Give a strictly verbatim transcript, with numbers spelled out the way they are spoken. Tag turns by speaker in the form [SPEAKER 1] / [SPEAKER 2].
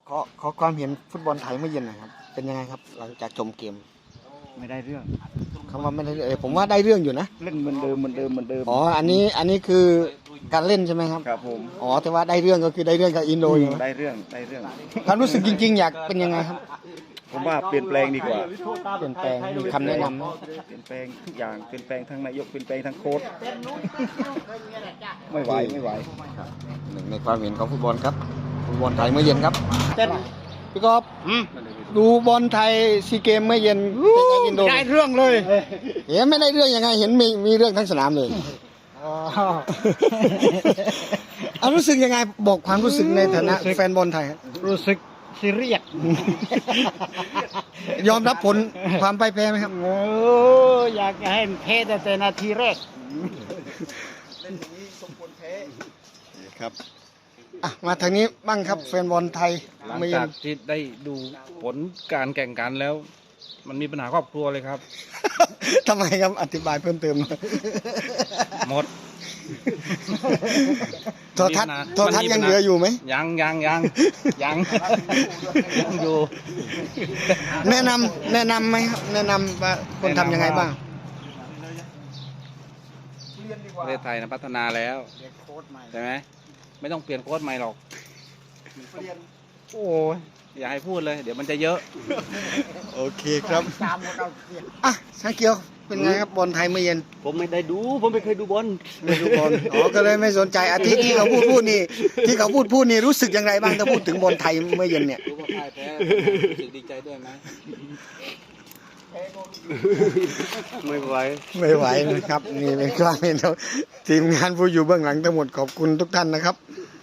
[SPEAKER 1] ขอขอความเห็นฟุตบอลไทยเมื่อเย็นหนะครับเป็นยังไงครับหลังจากชมเกม
[SPEAKER 2] ไม่ได้เรื่อง
[SPEAKER 1] คำว่าไม่ได้เออผมว่าได้เรื่องอยู่นะ
[SPEAKER 2] เล่นเหมือนเดิมเหมือนเดิมเหมือนเดิม
[SPEAKER 1] อ๋ออันนี้อันนี้คือการเล่นใช่ไหมครับ
[SPEAKER 2] ครับผม
[SPEAKER 1] อ๋อแต่ว่าได้เรื่องก็คือได้เรื่องกับอินโดอยู่
[SPEAKER 2] ได้เรื่องได้เรื่อง
[SPEAKER 1] ความรู้สึกจริงๆอยากเป็นยังไงครับ
[SPEAKER 2] ผมว่าเปลี่ยนแปลงดีกว่า
[SPEAKER 1] เปลี่ยนแปลงมีคำแนะนำไหม
[SPEAKER 2] เปลี่ยนแปลงทุกอย่างเปลี่ยนแปลงทั้งนายกเปลี่ยนแปลงทั้งโค้ชไม่ไหวไม่ไหว
[SPEAKER 1] หนึ่งในความเห็นของฟุตบอลครับฟุตบอลไทยเมื่อเย็นครับเต้นพี่กอล์ฟดูบอลไทยซีเกมเมื่อเย็นเป็นไงอินโด
[SPEAKER 3] ได้เรื่องเลย
[SPEAKER 1] เห็นไม่ได้เรื่องยังไงเห็นมีมีเรื่องทั้งสนามเลยเอารู้สึกยังไงบอกความรู้สึกในฐานะแฟนบอลไทย
[SPEAKER 3] รู้สึกซีเรียส
[SPEAKER 1] ยอมรับผลความพ่ายแพ้ไหมครับ
[SPEAKER 3] โอ้อยากจะให้แพ้แต่นาทีแรก
[SPEAKER 2] เล่นอย่างนี้สมควรแพ้
[SPEAKER 1] ครับอ่ะมาทางนี้บ้างครับแฟนบอลไทย
[SPEAKER 4] หลังจากที่ได้ดูผลการแข่งขันแล้ว มันมีปัญหาครอบครัวเลยครับ
[SPEAKER 1] ทำไมครับอธิบายเพิ่มเติม
[SPEAKER 4] หมด
[SPEAKER 1] โทรทัศน์โทรทัศน์ยังเหลืออยู่ไหม
[SPEAKER 4] ยังยังยังยังยังอยู่
[SPEAKER 1] แนะนำแนะนำไหมครับแนะนำว่าคนทำยังไงบ้าง
[SPEAKER 4] ประเทศไทยนะพัฒนาแล้วใช่ไหมไม่ต้องเปลี่ยนโค้ชใหม่หรอกโอ้ยอย่าให้พูดเลยเดี๋ยวมันจะเยอะ
[SPEAKER 1] โอเคครับอ่ะช่างเกียวเป็นไงครับบอลไทยเมื่อเย็น
[SPEAKER 3] ผมไม่ได้ดูผมไม่เคยดูบอล
[SPEAKER 1] ไม่ดูบอลอ๋อก็เลยไม่สนใจอาทิตย์ที่เขาพูดพูดนี่ที่เขาพูดพูดนี่รู้สึกอย่างไรบ้างถ้าพูดถึงบอลไทยเมื่อเย็นเนี่ย
[SPEAKER 4] รู้ว่าพ่ายแพ้รู้สึกดีใจด้วยไหม
[SPEAKER 3] ไม่ไหว
[SPEAKER 1] ไม่ไหวนะครับนี่เป็นความเห็นทีมงานผู้อยู่เบื้องหลังทั้งหมดขอบคุณทุกท่านนะครับ